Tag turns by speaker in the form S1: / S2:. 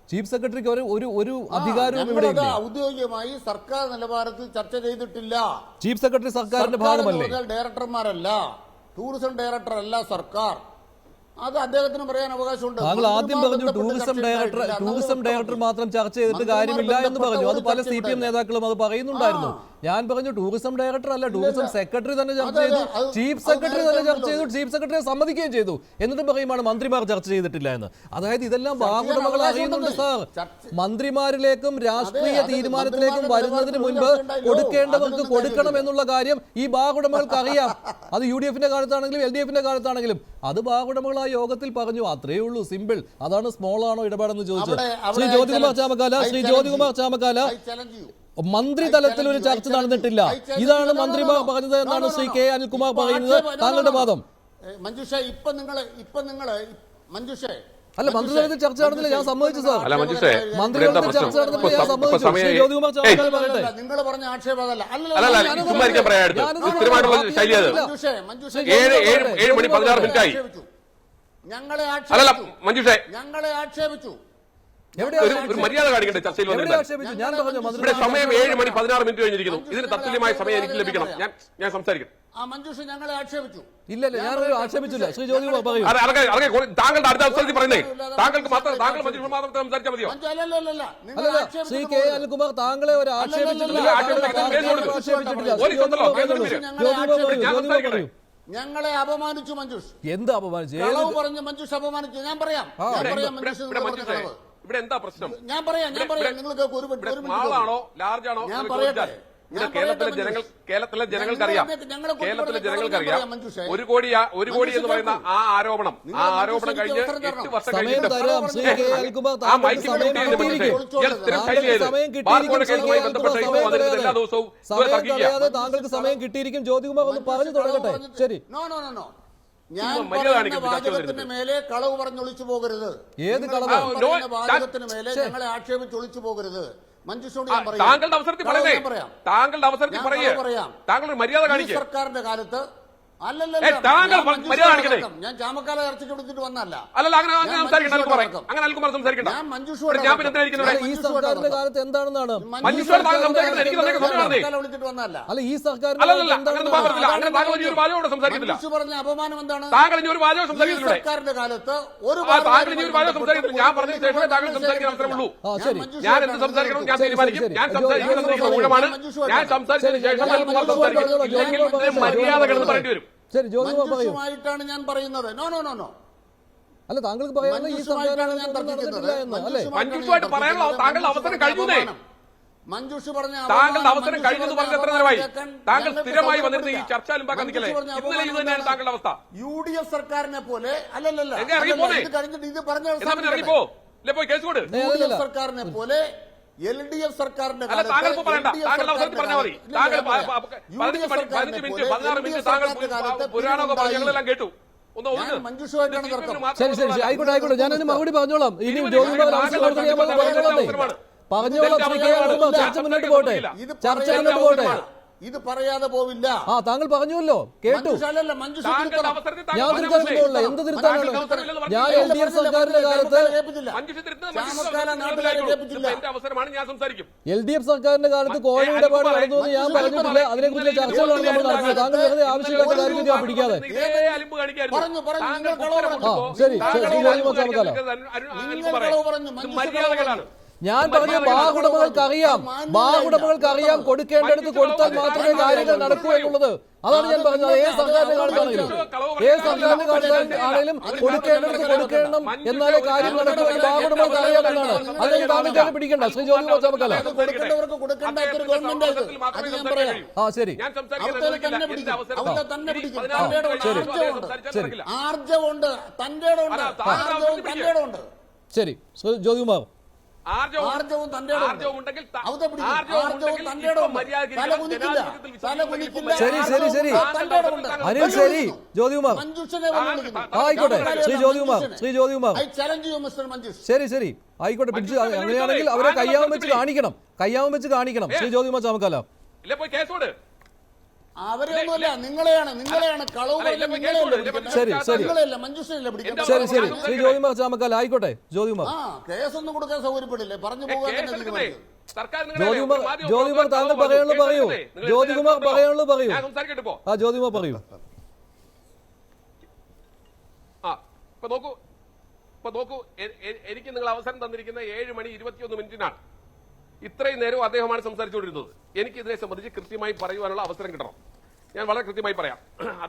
S1: Chief സെക്രട്ടറിക്ക് ഒരു അധികാരവും ഇവിടെ ഇല്ല.
S2: ഔദ്യോഗികമായി സർക്കാർ നിലവാരത്തിൽ ചർച്ച ചെയ്തിട്ടില്ല.
S1: ചീഫ് സെക്രട്ടറി സർക്കാരിന്റെ ഭാഗമല്ലേ?
S2: ഡയറക്ടർമാരല്ല, ടൂറിസം ഡയറക്ടർ അല്ല സർക്കാർ. അത് അദ്ദേഹത്തിന് പറയാൻ അവകാശമുണ്ട്.
S1: താങ്കൾ ആദ്യം പറഞ്ഞു ടൂറിസം ഡയറക്ടർ മാത്രം ചർച്ച ചെയ്തിട്ട് കാര്യമില്ല എന്ന് പറഞ്ഞു. അത് പല CPM നേതാക്കളും അത് പറയുന്നുണ്ടായിരുന്നു. ഞാൻ പറഞ്ഞു ടൂറിസം ഡയറക്ടർ അല്ല, ടൂറിസം സെക്രട്ടറി തന്നെ ചർച്ച ചെയ്തു, ചീഫ് സെക്രട്ടറി തന്നെ ചർച്ച ചെയ്തു, ചീഫ് സെക്രട്ടറിയെ സമ്മതിക്കുകയും ചെയ്തു. എന്നിട്ട് പറയുമാണ് മന്ത്രിമാർ ചർച്ച ചെയ്തിട്ടില്ല എന്ന്. അതായത് ഇതെല്ലാം ബാഹുടമകൾ അറിയുന്നുണ്ട് സാർ. മന്ത്രിമാരിലേക്കും രാഷ്ട്രീയ തീരുമാനത്തിലേക്കും വരുന്നതിന് മുൻപ് കൊടുക്കേണ്ടവർക്ക് കൊടുക്കണം എന്നുള്ള കാര്യം ഈ ബാഹുടമകൾക്ക് അറിയാം. അത് UDF-ന്റെ കാലത്താണെങ്കിലും LDF-ന്റെ കാലത്താണെങ്കിലും അത് ബാഹുടമകൾ ആ യോഗത്തിൽ പറഞ്ഞു. അത്രയേ ഉള്ളൂ, സിമ്പിൾ. അതാണ് സ്മോൾ ആണോ ഇടപാടെന്ന് ചോദിച്ചത്. ശ്രീ ജ്യോതികുമാർ ചാമക്കാല മന്ത്രിതലത്തിൽ ഒരു ചർച്ച നടന്നിട്ടില്ല, ഇതാണ് മന്ത്രിമാർ പറഞ്ഞത് എന്നാണ് ശ്രീ K. അനിൽകുമാർ പറയുന്നത്. താങ്കളുടെ വാദം അല്ല, മന്ത്രിതലത്തിൽ ചർച്ച നടന്നില്ല, ഞാൻ സമ്മതിച്ചു സാർ. മന്ത്രിതലത്തിൽ ചർച്ച നടന്നില്ല, ഞാൻ സമ്മതിച്ചു. ശ്രീ ജ്യോതികുമാർ ചാമക്കാല പറയട്ടെ.
S2: നിങ്ങൾ പറഞ്ഞ ആക്ഷേപം അതല്ല. ഞങ്ങളെ ആക്ഷേപിച്ചു.
S3: ഒരു മര്യാദ കാണിക്കട്ടെ. ചർച്ചയിൽ
S1: ഞാൻ പറഞ്ഞു
S3: ഇവിടെ സമയം 7:16 കഴിഞ്ഞിരിക്കുന്നു. ഇതിന് തത്തുല്യമായ സമയം എനിക്ക് ലഭിക്കണം. ഞാൻ സംസാരിക്കും.
S2: മഞ്ജുഷ ഞങ്ങളെ ആക്ഷേപിച്ചു.
S1: ഇല്ല, ഞാനൊരു ആക്ഷേപിച്ചില്ല. ശ്രീ ജ്യോതികുമാർ പറയൂ.
S3: താങ്കളുടെ അടുത്ത അവസരത്തിൽ പറയുന്നേ, താങ്കൾക്ക് മാത്രം താങ്കൾ മഞ്ജുഷ മാത്രം സംസാരിച്ചാൽ മതിയോ?
S1: ശ്രീ K. അനിൽകുമാർ താങ്കളെ ഒരു ആക്ഷേപിച്ചിട്ടില്ല.
S2: ഞങ്ങളെ അപമാനിച്ചു മഞ്ജുഷ്.
S1: എന്ത് അപമാനിച്ചു?
S2: പറഞ്ഞു മഞ്ജുഷ് അപമാനിച്ചു. ഞാൻ പറയാം.
S3: ഇവിടെ എന്താ പ്രശ്നം?
S2: ഞാൻ പറയാം. നിങ്ങൾക്ക്
S3: ആളാണോ ലാർജ് ആണോ?
S2: ഞാൻ പറയട്ടെ.
S3: കേരളത്തിലെ ജനങ്ങൾക്കറിയാം ഒരു കോടി എന്ന് പറയുന്ന ആ ആരോപണം കഴിഞ്ഞ് 8 വർഷം കഴിഞ്ഞിട്ട് ആ മൈക്ക് എല്ലാ ദിവസവും
S1: താങ്കൾക്ക് സമയം കിട്ടിയിരിക്കും. ജ്യോതികുമാർ ഒന്ന് പറഞ്ഞു തുടങ്ങട്ടെ. ശരി.
S2: ഞാൻ വാചകത്തിന് മേലെ കളവ് പറഞ്ഞൊളിച്ചു പോകരുത്.
S1: ഏത് കളവ്?
S2: വാചകത്തിന് മേലെ ഞങ്ങളെ ആക്ഷേപിച്ചൊളിച്ചു പോകരുത്. മഞ്ജുഷോട് ഞാൻ പറയാം.
S3: താങ്കളുടെ അവസരത്തിൽ പറയാം. താങ്കൾ മര്യാദ കാണിക്കും.
S2: സർക്കാരിന്റെ കാലത്ത് ഞാൻ ചാമക്കാല ചർച്ചയ്ക്ക് വിളിച്ചിട്ട് വന്നല്ല.
S1: ഈ സർക്കാരിന്റെ കാലത്ത് എന്താണെന്നാണ്
S2: വിളിച്ചിട്ട് വന്നല്ല.
S1: അല്ല, ഈ സർക്കാർ
S2: പറഞ്ഞ അപമാനം എന്താണ്?
S3: സർക്കാരിന്റെ
S2: കാലത്ത്
S3: ഞാൻ പറഞ്ഞ ശേഷമേ താങ്കൾ സംസാരിക്കാൻ അവസരമുള്ളൂ. ഞാൻ എന്ത് സംസാരിക്കണം ഞാൻ തീരുമാനിക്കും. ഞാൻ സംസാരിക്കുന്നത് ഊഴമാണ്. ഞാൻ സംസാരിച്ചതിന് ശേഷം മര്യാദകളെന്ന് പറയേണ്ടി വരും.
S1: ശരി,
S2: ജ്യോതികുമായിട്ടാണ് ഞാൻ പറയുന്നത്. നോ
S1: അല്ല, താങ്കൾക്ക് പറയാനുള്ള ഈ സർക്കാരാണ് ഞാൻ
S2: തർക്കിക്കുന്നത്.
S3: മഞ്ജുഷുമായിട്ട് പറയാനുള്ള താങ്കളുടെ അവസരം കഴിഞ്ഞേ.
S2: മഞ്ജുഷ് പറഞ്ഞ
S3: താങ്കളുടെ അവസരം കഴിഞ്ഞെന്ന് പറഞ്ഞ എത്ര നേരമായി? താങ്കൾ സ്ഥിരമായി വന്നിരുന്ന ഈ ചർച്ച നിൽക്കലേ ഇന്നലെ ഇത് തന്നെയാണ് താങ്കളുടെ അവസ്ഥ.
S2: UDF സർക്കാരിനെ പോലെ അല്ലല്ലോ കഴിഞ്ഞിട്ട് ഇത് പറഞ്ഞ
S3: ഇറങ്ങിപ്പോ പോയി കേസ് കൊടു.
S2: UDF സർക്കാരിനെ പോലെ LDF സർക്കാരിന്റെ
S3: കേട്ടു.
S2: മഞ്ജുഷുമായിട്ടാണ് തർക്കം.
S1: ശരി, ആയിക്കോട്ടെ, ഞാനതിന് മറുപടി പറഞ്ഞോളാം. ഇനി ജ്യോതികുമാർ പറഞ്ഞോളാം. ചർച്ച മുന്നോട്ട് പോട്ടെ.
S2: ഇത് പറയാതെ പോവില്ല.
S1: താങ്കൾ പറഞ്ഞുവല്ലോ, കേട്ടു. ഞാൻ തിരുത്താനുള്ള എന്ത് തിരുത്താനാണ്? ഞാൻ LDF സർക്കാരിന്റെ കാലത്ത് LDF സർക്കാരിന്റെ കാലത്ത് കോഴ ഇടപാട് നടന്നു എന്ന് ഞാൻ പറഞ്ഞിട്ടില്ല. അതിനെക്കുറിച്ച് ചർച്ചകളാണ് നമ്മൾ നടത്തുന്നത്. താങ്കൾ വെറുതെ ആവശ്യമില്ലാത്ത കാര്യം ഞാൻ പിടിക്കാതെ. ശരി, ഞാൻ പറഞ്ഞ ബാഹുടമകൾക്ക് അറിയാം കൊടുക്കേണ്ടടുത്ത് കൊടുത്താൽ മാത്രമേ കാര്യങ്ങൾ നടക്കൂ എന്നുള്ളത്. അതാണ് ഞാൻ പറഞ്ഞത്. ഏത് സർക്കാരിന്റെ കാലത്താണെങ്കിലും കൊടുക്കേണ്ടടുത്ത് കൊടുക്കണം, എന്നാലേ കാര്യം നടക്കൂ എന്ന് ബാഹുടമകൾക്ക് അറിയാമെന്നാണ്. അല്ലെങ്കിൽ താങ്കൾ പിടിക്കണ്ട. ശ്രീ ജ്യോതികുമാർ ചാമക്കാല. ശരി, ശരി, ജ്യോതികുമാർ ശരി അനിൽ, ശരി ജ്യോതികുമാർ, ആയിക്കോട്ടെ. ശ്രീ ജ്യോതികുമാർ ശരി ആയിക്കോട്ടെ. പിടിച്ച് അങ്ങനെയാണെങ്കിൽ അവരെ കയ്യാവും വെച്ച് കാണിക്കണം. ശ്രീ ജ്യോതികുമാർ ചാമക്കാല.
S2: അവരെയൊന്നുമല്ല, നിങ്ങളെയാണ് കളവ്
S3: അല്ല,
S2: പറഞ്ഞ
S3: ഇല്ല,
S1: ശരി, ശരി.
S2: നിങ്ങളെയല്ല മഞ്ജുഷനല്ലേ പിടിക്കുന്നത്.
S1: ശരി ശരി ശ്രീ ജ്യോതികുമാർ ചാമക്കാല ആയിക്കോട്ടെ ജ്യോതികുമാർ
S2: കേസൊന്നും കൊടുക്കാൻ സൗകര്യപ്പെടില്ലേ, പറഞ്ഞു പോകാൻ തന്നെ തീരുമാനിച്ചത്.
S1: ജ്യോതികുമാർ താങ്കൾ പറയാനുള്ളത് പറയൂ. ജ്യോതികുമാർ പറയാനുള്ളത് പറയൂ.
S3: ഞാൻ സംസാരിക്കട്ടെ ഇപ്പോ.
S1: ആ ജ്യോതികുമാർ പറയൂ.
S3: ഇപ്പൊ നോക്കൂ, എനിക്ക് നിങ്ങൾ അവസരം തന്നിരിക്കുന്ന 7:21 ഇത്രയും നേരവും അദ്ദേഹമാണ് സംസാരിച്ചുകൊണ്ടിരുന്നത്. എനിക്ക് ഇതിനെ സംബന്ധിച്ച് കൃത്യമായി പറയുവാനുള്ള അവസരം കിട്ടണം. ഞാൻ വളരെ കൃത്യമായി പറയാം.